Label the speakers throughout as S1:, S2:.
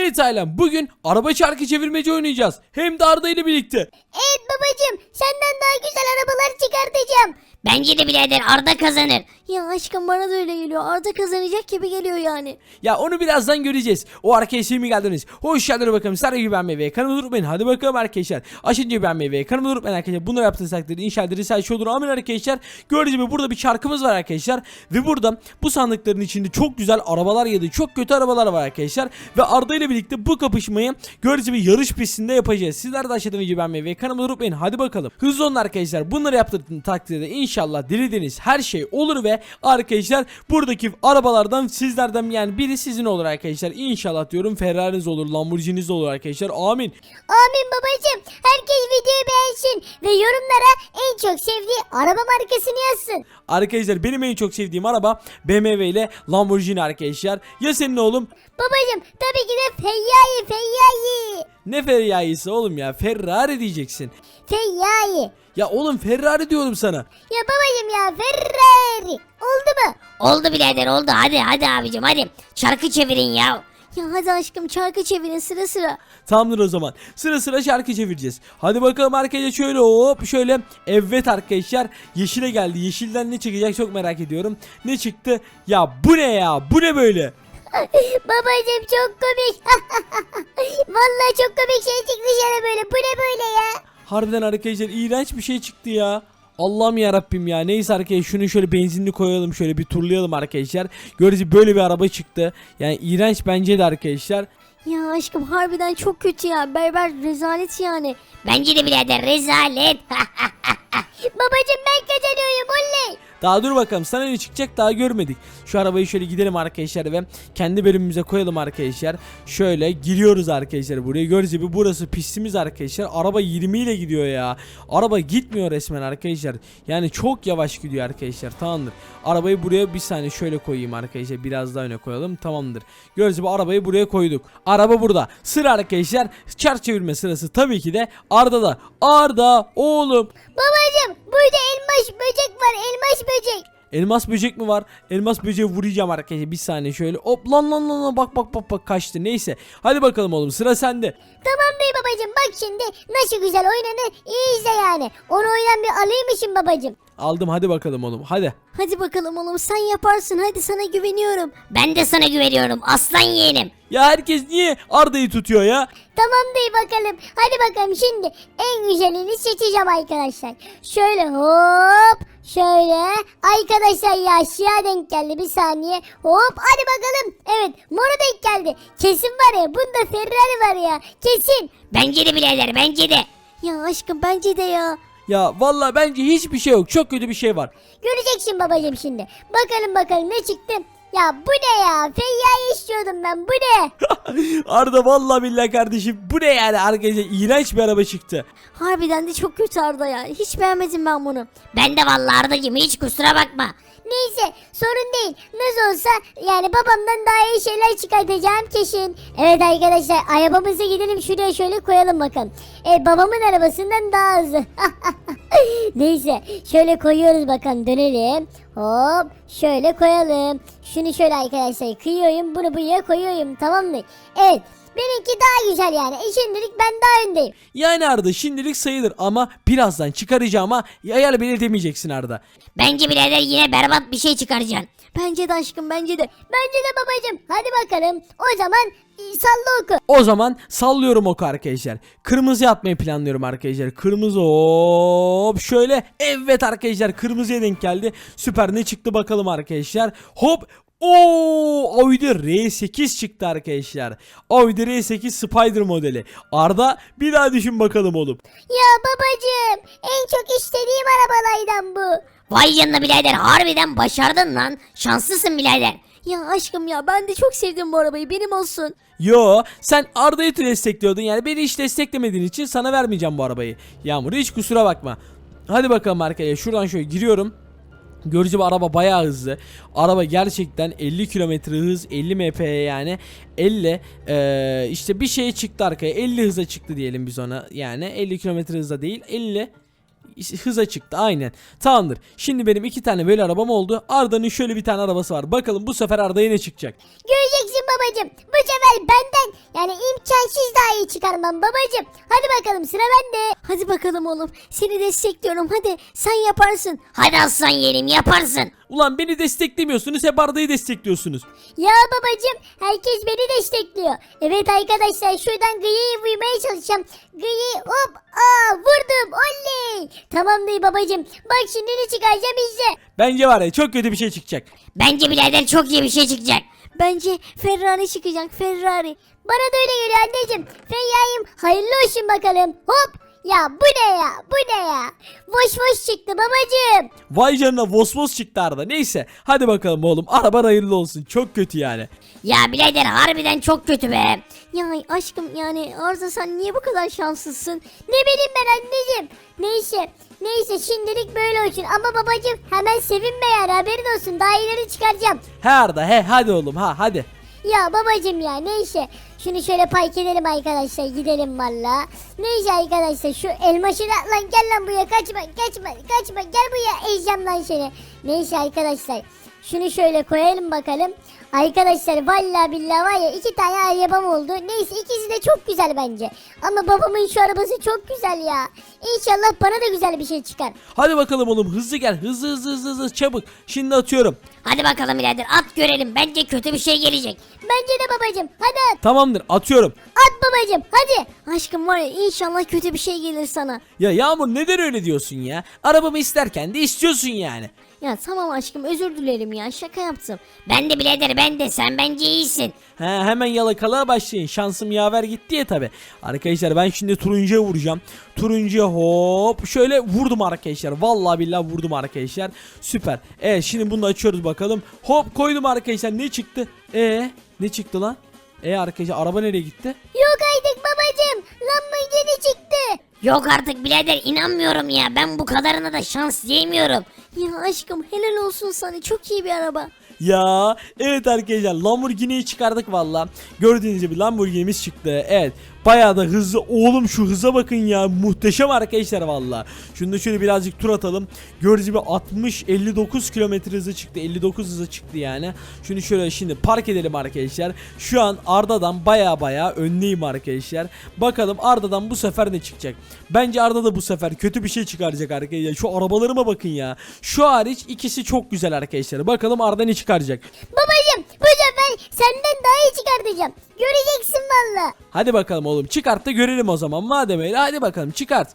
S1: Evet ailem, bugün araba çarkı çevirmeci oynayacağız. Hem de Arda ile birlikte.
S2: Evet babacım, senden daha güzel arabalar çıkartacağım. Bence de birader Arda kazanır.
S3: Ya aşkım bana da öyle geliyor. Arda kazanacak gibi geliyor yani.
S1: Ya onu birazdan göreceğiz. O arkadaşlar mi geldiniz? Hoş geldiniz bakalım. Sarı gibi ben meyve. Kanalıma unutmayın. Hadi bakalım arkadaşlar. Aşınca ben meyve. Kanalıma unutmayın arkadaşlar. Bunları yaptığınız takdirde inşallah risale olur. Amin arkadaşlar. Gördüğünüz gibi burada bir çarkımız var arkadaşlar. Ve burada bu sandıkların içinde çok güzel arabalar ya da çok kötü arabalar var arkadaşlar. Ve Arda ile birlikte bu kapışmayı gördüğünüz gibi yarış pistinde yapacağız. Sizler de aşağıdan video beğenmeyi ve kanalıma unutmayın. Hadi bakalım. Hızlı olun arkadaşlar. Bunları yaptığınız takdirde inşallah dilediğiniz her şey olur ve arkadaşlar buradaki arabalardan sizlerden yani biri sizin olur arkadaşlar. İnşallah diyorum Ferrari'niz olur, Lamborghini'niz olur arkadaşlar. Amin.
S2: Amin babacım. Herkes videoyu beğensin ve yorumlara en çok sevdiği araba markasını yazsın.
S1: Arkadaşlar benim en çok sevdiğim araba BMW ile Lamborghini arkadaşlar. Ya senin oğlum?
S2: Babacım tabii ki de Feyyai.
S1: Ne Ferrari'si oğlum ya? Ferrari diyeceksin.
S2: Feyyai.
S1: Ya oğlum Ferrari diyorum sana.
S2: Ya babacım ya Ferrari. Oldu mu? Oldu birader oldu. Hadi abicim hadi. Şarkı çevirin ya.
S3: Ya hadi aşkım çarkı çevirin sıra sıra.
S1: Tamamdır o zaman. Sıra sıra şarkı çevireceğiz. Hadi bakalım arkadaşlar şöyle hop şöyle. Evet arkadaşlar yeşile geldi. Yeşilden ne çıkacak çok merak ediyorum. Ne çıktı? Ya bu ne ya? Bu ne böyle?
S2: Babacım çok komik. Vallahi çok komik şey çıktı dışarı böyle. Bu ne böyle ya?
S1: Harbiden arkadaşlar iğrenç bir şey çıktı ya. Allah'ım ya Rabbim ya. Neyse arkadaşlar şunu şöyle benzinli koyalım, şöyle bir turlayalım arkadaşlar. Görücü böyle bir araba çıktı. Yani iğrenç bence de arkadaşlar.
S3: Ya aşkım harbiden çok kötü ya. Berber rezalet yani.
S2: Bence de birader rezalet. Babacım ben kazanıyorum oley.
S1: Daha dur bakalım sana ne çıkacak daha görmedik. Şu arabayı şöyle gidelim arkadaşlar ve kendi bölümümüze koyalım arkadaşlar. Şöyle giriyoruz arkadaşlar buraya. Gördüğünüz gibi burası pistimiz arkadaşlar. Araba 20 ile gidiyor ya. Araba gitmiyor resmen arkadaşlar. Yani çok yavaş gidiyor arkadaşlar. Tamamdır. Arabayı buraya bir saniye şöyle koyayım arkadaşlar. Biraz daha öne koyalım. Tamamdır. Gördüğünüz gibi arabayı buraya koyduk. Araba burada. Sıra arkadaşlar. Çark çevirme sırası tabii ki de Arda'da. Arda oğlum.
S2: Babacım burada elmas böcek var elmas böcek.
S1: Elmas böcek mi var? Elmas böceği vuracağım arkadaşlar. Bir saniye şöyle. Hop lan bak kaçtı. Neyse. Hadi bakalım oğlum sıra sende.
S2: Tamam bey babacım bak şimdi nasıl güzel oynanır iyi izle yani. Onu oynan bir alayım babacım.
S1: Aldım hadi bakalım oğlum. Hadi.
S3: Hadi bakalım oğlum sen yaparsın. Hadi sana güveniyorum.
S2: Ben de sana güveniyorum aslan yeğenim.
S1: Ya herkes niye Arda'yı tutuyor ya?
S2: Tamam bey bakalım. Hadi bakalım şimdi en güzelini seçeceğim arkadaşlar. Şöyle hop şöyle. Arkadaşlar ya aşağı denk geldi bir saniye. Hop hadi bakalım. Evet mora denk geldi. Kesin var ya bunda Ferrari var ya. Kesin. Bence de birader bence de.
S3: Ya aşkım bence de ya.
S1: Ya vallahi bence hiçbir şey yok. Çok kötü bir şey var.
S2: Göreceksin babacığım şimdi. Bakalım ne çıktı. Ya bu ne ya? Feyya'yı istiyordum ben. Bu ne?
S1: Arda vallahi billahi kardeşim bu ne yani arkadaşlar iğrenç bir araba çıktı.
S3: Harbiden de çok kötü Arda ya. Hiç beğenmedim ben bunu.
S2: Ben de vallahi Arda'cığım hiç kusura bakma. Neyse sorun değil. Nasıl olsa yani babamdan daha iyi şeyler çıkartacağım kesin. Evet arkadaşlar arabamıza gidelim şuraya şöyle koyalım bakalım. Babamın arabasından daha hızlı. Neyse şöyle koyuyoruz bakalım dönelim. Hop şöyle koyalım. Şunu şöyle arkadaşlar kıyıyorum bunu buraya koyuyorum tamam mı? Evet. Benimki daha güzel yani. Şimdilik ben daha öndeyim.
S1: Yani Arda şimdilik sayılır ama birazdan çıkaracağıma ayar belirtemeyeceksin Arda.
S2: Bence birader yine berbat bir şey çıkaracaksın.
S3: Bence de aşkım bence de.
S2: Bence de babacım. Hadi bakalım. O zaman salla oku.
S1: O zaman sallıyorum oku arkadaşlar. Kırmızı atmayı planlıyorum arkadaşlar. Kırmızı hop şöyle. Evet arkadaşlar kırmızıya denk geldi. Süper ne çıktı bakalım arkadaşlar. Hop. Audi R8 çıktı arkadaşlar. Audi R8 Spider modeli. Arda bir daha düşün bakalım oğlum.
S2: Ya babacım en çok istediğim arabalardan bu. Vay canına birader harbiden başardın lan. Şanslısın birader.
S3: Ya aşkım ya ben de çok sevdim bu arabayı. Benim olsun.
S1: Yo sen Arda'yı destekliyordun yani beni hiç desteklemediğin için sana vermeyeceğim bu arabayı. Yağmur hiç kusura bakma. Hadi bakalım arkadaşlar şuradan şöyle giriyorum. Gördüğünüz gibi araba bayağı hızlı. Araba gerçekten 50 km hız 50 mph yani 50 işte bir şey çıktı arkaya 50 hıza çıktı diyelim biz ona yani 50 km hızda değil 50 hıza çıktı aynen. Tamamdır. Şimdi benim 2 tane böyle arabam oldu. Arda'nın şöyle bir tane arabası var. Bakalım bu sefer Arda'ya ne çıkacak?
S2: Göreceksin babacım. Bu sefer benden yani iyi çıkarmam babacım. Hadi bakalım sıra bende.
S3: Hadi bakalım oğlum. Seni destekliyorum. Hadi sen yaparsın.
S2: Hadi aslan yeğenim yaparsın.
S1: Ulan beni desteklemiyorsunuz, hep Arda'yı destekliyorsunuz.
S2: Ya babacım herkes beni destekliyor. Evet arkadaşlar şuradan Gıyı'yı vurmaya çalışacağım. Gıyı hop vurdum oley. Tamam değil babacım. Bak şimdi ne çıkaracağım izle.
S1: Bence var ya çok kötü bir şey çıkacak.
S2: Bence birader çok iyi bir şey çıkacak.
S3: Bence Ferrari çıkacak. Ferrari.
S2: Bana da öyle geliyor anneciğim. Feyyayım hayırlı olsun bakalım. Hop. Ya bu ne ya bu ne ya. Boş boş çıktı babacım.
S1: Vay canına vosvos çıktı Arda. Neyse hadi bakalım oğlum, araban hayırlı olsun. Çok kötü yani.
S2: Ya birader harbiden çok kötü be.
S3: Ya aşkım yani Arda sen niye bu kadar şanslısın?
S2: Ne bileyim ben anneciğim. Neyse şimdilik böyle olsun ama babacım hemen sevinme yani haberin olsun daha ileri çıkaracağım.
S1: He Arda he, hadi oğlum ha hadi.
S2: Ya babacım ya neyse şunu şöyle park edelim arkadaşlar gidelim valla. Neyse arkadaşlar şu elmaşı da lan gel lan buraya kaçma gel buraya ezeceğim lan seni. Neyse arkadaşlar şunu şöyle koyalım bakalım. Arkadaşlar vallahi billahi var ya 2 tane arabam oldu. Neyse ikisi de çok güzel bence. Ama babamın şu arabası çok güzel ya. İnşallah bana da güzel bir şey çıkar.
S1: Hadi bakalım oğlum, hızlı gel, hızlı çabuk. Şimdi atıyorum.
S2: Hadi bakalım birader at görelim. Bence kötü bir şey gelecek. Bence de babacım hadi at.
S1: Tamamdır, atıyorum.
S2: At babacım hadi.
S3: Aşkım var ya inşallah kötü bir şey gelir sana.
S1: Ya Yağmur neden öyle diyorsun ya? Arabamı isterken de istiyorsun yani.
S3: Ya tamam aşkım özür dilerim ya şaka yaptım.
S2: Ben de birader ben de sen bence iyisin.
S1: He, hemen yalakalığa başlayın. Şansım yaver gitti ya tabi. Arkadaşlar ben şimdi turuncuya vuracağım. Turuncuya hop şöyle vurdum arkadaşlar. Vallahi billahi vurdum arkadaşlar. Süper. Evet şimdi bunu da açıyoruz bakalım. Hop koydum arkadaşlar. Ne çıktı? Ne çıktı lan? Arkadaşlar araba nereye gitti?
S2: Yok artık babacım. Lamborghini çıktı. Yok artık birader inanmıyorum ya. Ben bu kadarına da şans diyemiyorum.
S3: Ya aşkım helal olsun sana çok iyi bir araba.
S1: Ya evet arkadaşlar Lamborghini'yi çıkardık valla. Gördüğünüz gibi Lamborghini'miz çıktı. Evet bayağı da hızlı. Oğlum şu hıza bakın ya, muhteşem arkadaşlar valla. Şunu da şöyle birazcık tur atalım. Gördüğünüz gibi 60-59 kilometre hızı çıktı. 59 hızı çıktı yani. Şunu şöyle şimdi park edelim arkadaşlar. Şu an Arda'dan baya önleyim arkadaşlar. Bakalım Arda'dan bu sefer ne çıkacak. Bence Arda da bu sefer kötü bir şey çıkaracak arkadaşlar. Şu arabalarıma bakın ya. Şu hariç ikisi çok güzel arkadaşlar. Bakalım Arda ne çıkaracak.
S2: Babacım bu sefer senden daha iyi çıkartacağım. Göreceksin valla.
S1: Hadi bakalım oğlum, çıkart da görelim o zaman. Madem öyle hadi bakalım çıkart.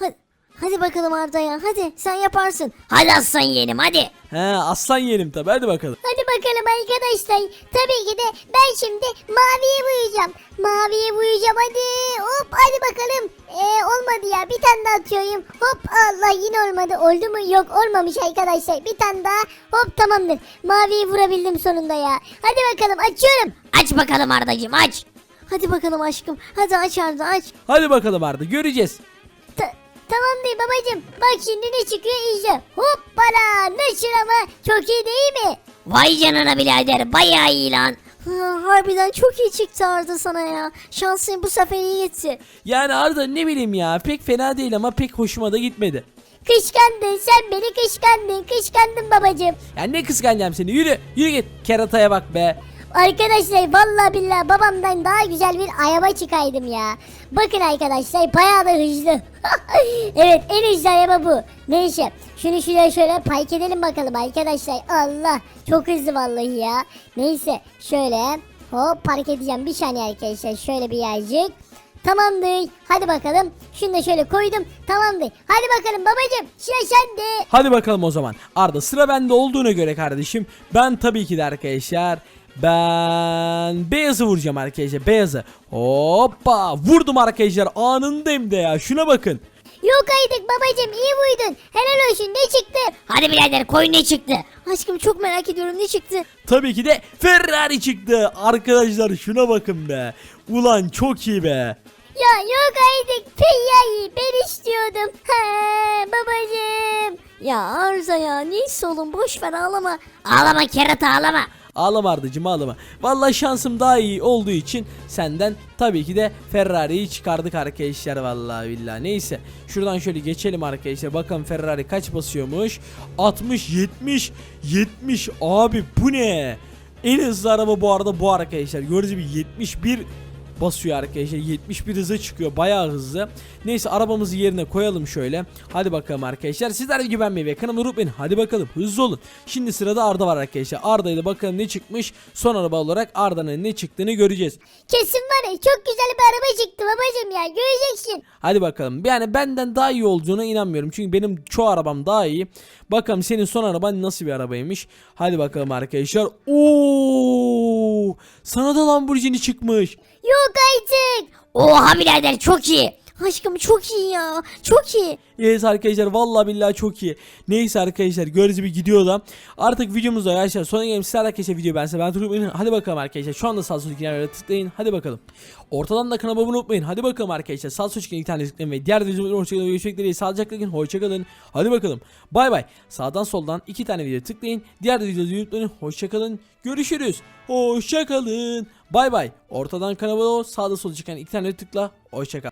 S3: Hadi bakalım Arda ya hadi sen yaparsın.
S2: Hadi aslan yeğenim hadi.
S1: He aslan yerim tabi, hadi bakalım.
S2: Hadi bakalım arkadaşlar. Tabii ki de ben şimdi maviye boyayacağım. Maviye boyayacağım hadi. Hop hadi bakalım. Olmadı ya bir tane daha atıyorum. Hop Allah yine olmadı. Oldu mu? Yok olmamış arkadaşlar. Bir tane daha. Hop tamamdır. Maviyi vurabildim sonunda ya. Hadi bakalım açıyorum. Aç bakalım Ardacığım aç.
S3: Hadi bakalım aşkım hadi aç Arda aç.
S1: Hadi bakalım Arda, göreceğiz.
S2: Tamam değil babacığım. Bak şimdi ne çıkıyor izle. Hoppala nasıl ama çok iyi değil mi? Vay canına birader bayağı iyi lan.
S3: Harbiden çok iyi çıktı Arda sana ya. Şansın bu sefer iyi gitti.
S1: Yani Arda ne bileyim ya, pek fena değil ama pek hoşuma da gitmedi.
S2: Kıskandın sen beni kıskandın babacığım.
S1: Ya ne kıskanacağım seni, yürü git, kerataya bak be.
S2: Arkadaşlar vallahi billahi babamdan daha güzel bir araba çıkaydım ya. Bakın arkadaşlar bayağı da hızlı. Evet en hızlı araba bu. Neyse şunu şuraya şöyle park edelim bakalım arkadaşlar. Allah çok hızlı vallahi ya. Neyse şöyle hop park edeceğim bir saniye arkadaşlar. Şöyle bir yercik. Tamamdır. Hadi bakalım. Şunu da şöyle koydum. Tamamdır. Hadi bakalım babacığım. Sıra sende.
S1: Hadi bakalım o zaman. Arda sıra bende olduğuna göre kardeşim, ben tabii ki de arkadaşlar ben beyazı vuracağım arkadaşlar, beyazı. Hoppa vurdum arkadaşlar, anında hem de ya, şuna bakın.
S2: Yok artık babacığım iyi buydun. Helal olsun ne çıktı? Hadi birader koy ne çıktı?
S3: Aşkım çok merak ediyorum ne çıktı?
S1: Tabii ki de Ferrari çıktı arkadaşlar, şuna bakın be. Ulan çok iyi be.
S2: Ya yok artık Feyya'yı ben istiyordum. Babacığım.
S3: Ya Arda ya neyse oğlum boş ver ağlama.
S2: Ağlama kerata ağlama.
S1: Ağlama Ardacığım ağlama. Vallahi şansım daha iyi olduğu için senden tabii ki de Ferrari'yi çıkardık arkadaşlar, vallahi billahi. Neyse şuradan şöyle geçelim arkadaşlar. Bakalım Ferrari kaç basıyormuş. 60 70 abi bu ne? En hızlı araba bu arada bu arkadaşlar. Gördüğünüz gibi 71 basıyor arkadaşlar. 71 hıza çıkıyor. Bayağı hızlı. Neyse arabamızı yerine koyalım şöyle. Hadi bakalım arkadaşlar. Sizler de güvenmeyi ve kanalıma unutmayın. Hadi bakalım hızlı olun. Şimdi sırada Arda var arkadaşlar. Arda ile bakalım ne çıkmış. Son araba olarak Arda'nın ne çıktığını göreceğiz.
S2: Kesin var ya çok güzel bir araba çıktı babacım ya göreceksin.
S1: Hadi bakalım. Yani benden daha iyi olduğuna inanmıyorum. Çünkü benim çoğu arabam daha iyi. Bakalım senin son araban nasıl bir arabaymış. Hadi bakalım arkadaşlar. Oo! Sana da Lamborghini çıkmış.
S2: Yok artık.
S3: Oha birader çok iyi. Aşkım çok iyi ya. Çok iyi.
S1: Evet arkadaşlar vallahi billahi çok iyi. Neyse arkadaşlar gördüğünüz gibi gidiyor da. Artık videomuzda arkadaşlar sona geldim. Sizler arkadaşlar video ben unutmayın. Hadi bakalım arkadaşlar. Şu anda sağ sol kenarlara tıklayın. Hadi bakalım. Ortadan da kanalıma abone unutmayın. Hadi bakalım arkadaşlar. Sağ sol iki tane tıklayın ve diğer videolarımızda hoşçakalın. Görüşmek dileğiyle. Sağlıcakla kalın. Hoşçakalın. Hadi bakalım. Bay bay. Sağdan soldan 2 tane video tıklayın. Diğer videoları unutmayın. Hoşçakalın. Görüşürüz. Hoşçakalın. Bay bay. Ortadan kanalıma sağda sol çıkan 2 tane tıkla. Hoşçakal.